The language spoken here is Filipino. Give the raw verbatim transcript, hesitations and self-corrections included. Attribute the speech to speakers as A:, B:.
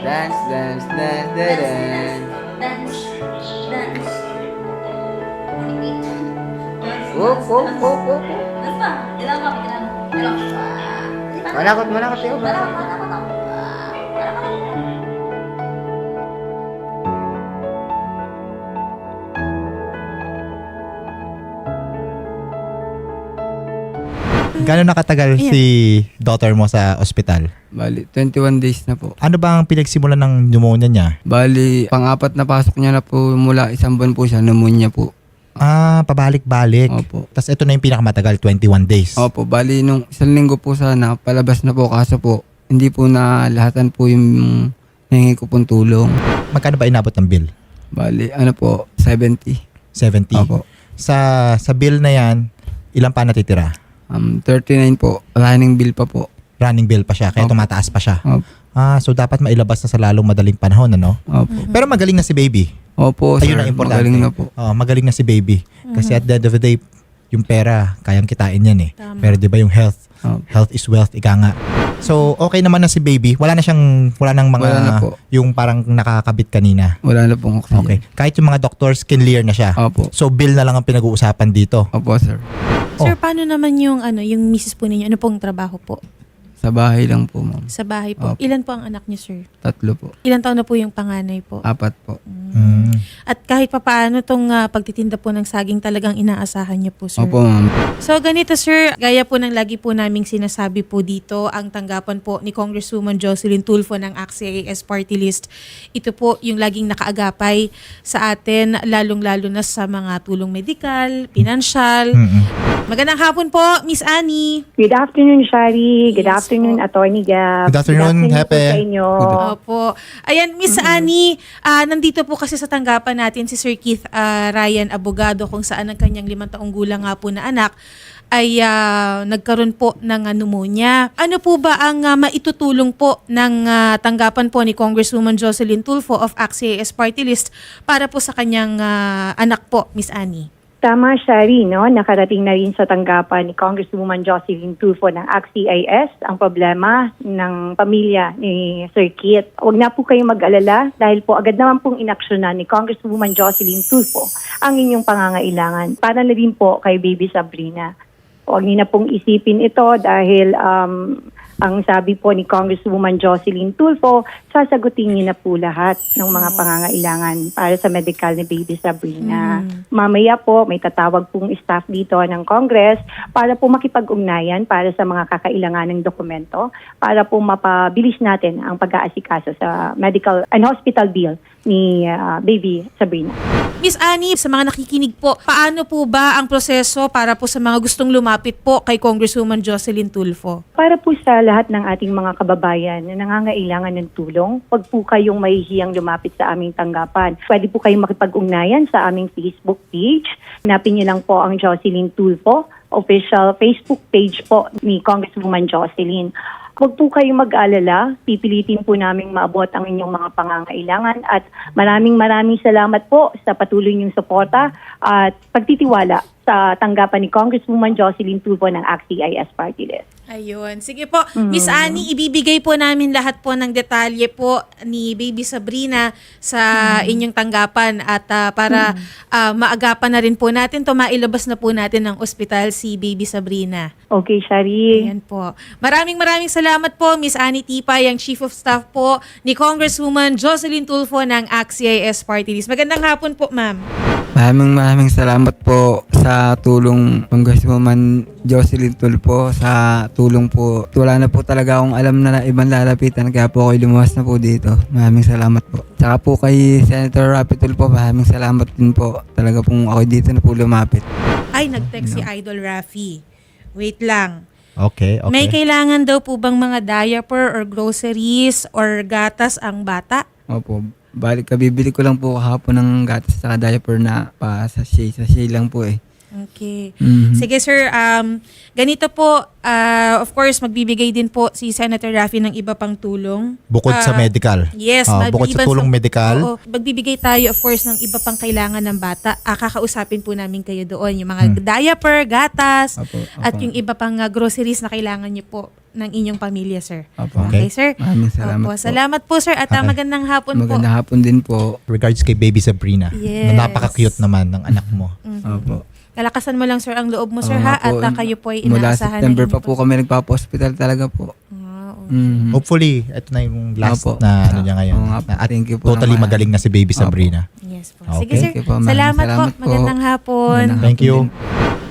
A: Dance, dance, dance, dance.
B: Dance, dance. Repeat. Dance,
A: Whoop,
B: dance,
A: whoop,
B: dance.
A: whoop, whoop.
B: Dance pa. Ilang pa, ilang. Ilang pa.
A: Manakot, manakot tayo.
B: Manakot, manakot ako. Ah, manakot.
C: Gano'n nakatagal si daughter mo sa ospital?
A: Bali, twenty-one days na po.
C: Ano ba ang pinagsimulan ng pneumonia niya?
A: Bali, pang-apat na pasok niya na po mula isang buwan po siya, pneumonia po.
C: Ah, pabalik-balik.
A: Opo.
C: Tapos ito na yung pinakamatagal, twenty-one days.
A: Opo, bali nung isang linggo po sana, palabas na po kaso po, hindi po na lahatan po yung hingi ko pong tulong.
C: Magkano ba inabot ng bill?
A: Bali, ano po, seventy.
C: seventy.
A: Opo.
C: Sa sa bill na yan, ilan pa natitira?
A: Um, thirty-nine po, running bill pa po.
C: Running bill pa siya, kaya
A: Opo.
C: tumataas pa siya.
A: Opo.
C: Ah, so dapat mailabas na sa lalong madaling panahon, ano?
A: Opo.
C: Pero magaling na si baby.
A: Opo, sir.
C: Ayun ang importante.
A: Magaling na po.
C: Oh, magaling na si baby. Kasi at the end of the day, yung pera, kayang kitain yan eh.
D: Tama.
C: Pero di ba yung health,
A: Opo.
C: health is wealth, ika nga. So, okay naman na si baby. Wala na siyang, wala nang mga,
A: Wala na po.
C: yung parang nakakabit kanina.
A: Wala na pong oxygen.
C: Okay. Kahit yung mga doctors, clear na siya.
A: Opo.
C: So, bill na lang ang pinag-uusapan dito.
A: Opo, sir.
D: Sir,
C: Oh.
D: paano naman yung ano, yung misis po ninyo? Ano pong trabaho po?
A: Sa bahay lang po, ma'am.
D: Sa bahay po.
A: Opo.
D: Ilan po ang anak niyo, sir?
A: Tatlo po.
D: Ilan taon na po yung panganay po?
A: Apat po.
C: Mm.
D: At kahit pa paano tong ah, pagtitinda po ng saging talagang inaasahan niyo po, sir.
A: Opo, ma'am.
D: So ganito, sir, gaya po ng lagi po naming sinasabi po dito, ang tanggapan po ni Congresswoman Jocelyn Tulfo ng A C C I A S Party List. Ito po yung laging nakaagapay sa atin, lalong-lalo na sa mga tulong medikal, pinansyal.
C: Mm-mm.
D: Magandang hapon po, Miss Annie.
E: Good afternoon, Shari. Good
D: Yes
E: afternoon,
D: po.
E: Attorney Gab.
C: Good afternoon,
E: Good
C: Hepe.
E: po sa inyo.
D: Opo. Ayan, Miss Annie, ah, nandito po kasi sa tanggapan natin si Sir Keith ah, Ryan, abogado, kung saan ang kanyang limang taong gulang nga po na anak ay ah, nagkaroon po ng ah, pneumonia. Ano po ba ang ah, maitutulong po ng ah, tanggapan po ni Congresswoman Jocelyn Tulfo of A C C I A S Party List para po sa kanyang ah, anak po, Miss Annie?
E: Tama, Shari, no? Nakarating na rin sa tanggapan ni Congresswoman Jocelyn Tulfo ng A C C I A S ang problema ng pamilya ni Sir Kit. Huwag na po kayong mag-alala dahil po agad naman pong inaksyonan ni Congresswoman Jocelyn Tulfo ang inyong pangangailangan para na rin po kay Baby Sabrina. Huwag niyo na pong isipin ito dahil um, ang sabi po ni Congresswoman Jocelyn Tulfo, sasagutin niyo na po lahat ng mga pangangailangan para sa medical ni Baby Sabrina. Mamaya po, may tatawag pong staff dito ng Congress para po makipag-ugnayan para sa mga kakailangan ng dokumento para po mapabilis natin ang pag-aasikaso sa medical and hospital bill ni uh, Baby Sabrina.
D: Miss Annie, sa mga nakikinig po, paano po ba ang proseso para po sa mga gustong lumapit po kay Congresswoman Jocelyn Tulfo?
E: Para po sa lahat ng ating mga kababayan na nangangailangan ng tulong, huwag po kayong mahihiyang lumapit sa aming tanggapan. Pwede po kayong makipag-ugnayan sa aming Facebook page. Hanapin niyo lang po ang Jocelyn Tulfo, official Facebook page po ni Congresswoman Jocelyn. Huwag po kayong mag-alala, pipilitin po namin maabot ang inyong mga pangangailangan at maraming maraming salamat po sa patuloy niyong suporta at pagtitiwala sa tanggapan ni Congresswoman Jocelyn Tulfo ng A C C I A S Party List.
D: Ayun. Sige po. Miss Annie, ibibigay po namin lahat po ng detalye po ni Baby Sabrina sa inyong tanggapan at ah, para ah, maagapan na rin po natin to, mailabas na po natin ng ospital si Baby Sabrina.
E: Okay, Shari.
D: Ayan po. Maraming maraming salamat po, Miss Annie Tipay, ang Chief of Staff po ni Congresswoman Jocelyn Tulfo ng A C C I A S Party List. Magandang hapon po, ma'am.
A: Maraming maraming salamat po sa tulong Congresswoman Jocelyn Tulfo, sa tulong po. Wala na po talaga akong alam na ibang lalapitan kaya po ako lumuwas na po dito. Maraming salamat po. Tsaka po kay Senator Rapi Tulfo, maraming salamat din po. Talaga pong ako dito na po lumapit.
D: Ay, nag-text si Idol Rafi. Wait lang.
C: Okay, okay.
D: May kailangan daw po bang mga diaper or groceries or gatas ang bata?
A: Opo. Balik, kabibili ko lang po kahapon ng gatas sa diaper na pa sa sachet. Sachet lang po eh.
D: Okay.
A: Mhm.
D: Sige sir, um, ganito po, ah, of course, magbibigay din po si Senator Raffy ng iba pang tulong.
C: Bukod sa
D: Ah,
C: medical.
D: Yes.
C: Ah, bukod sa
D: maliban
C: tulong medical.
D: Oo, magbibigay tayo, of course, ng iba pang kailangan ng bata. Ah, kakausapin po namin kayo doon. Yung mga diaper, gatas,
A: Opo, opo.
D: at yung iba pang ah, groceries na kailangan niyo po ng inyong pamilya, sir.
A: Opo.
D: Okay, sir?
A: Maraming salamat
D: Opo,
A: po.
D: salamat po, sir. At ah,
C: Okay.
D: magandang hapon po.
A: Magandang hapon din po.
C: Regards kay baby Sabrina.
D: Yes.
C: Na napaka-cute naman ng anak mo.
A: Opo.
D: Kalakasan mo lang, sir, ang loob mo, sir,
A: Oo
D: ha?
A: nga po.
D: At ah, kayo po ay
A: Mula
D: inaasahan
A: September
D: ng
A: pa
D: inyong
A: po kami nagpapa-hospital talaga po.
D: Ah, okay.
A: Mhm.
C: Hopefully, ito na yung last
A: Opo.
C: na ano niya ngayon.
A: Oo nga po.
C: Na- At
A: Thank you po
C: totally
A: naman.
C: magaling na si baby
A: Opo.
C: Sabrina.
D: Yes po.
C: Okay.
D: Sige, sir.
A: Thank you po, ma'am.
D: Salamat,
A: Salamat
D: po.
A: po.
D: Magandang hapon.
A: Magandang
C: Thank you.
A: hapon din.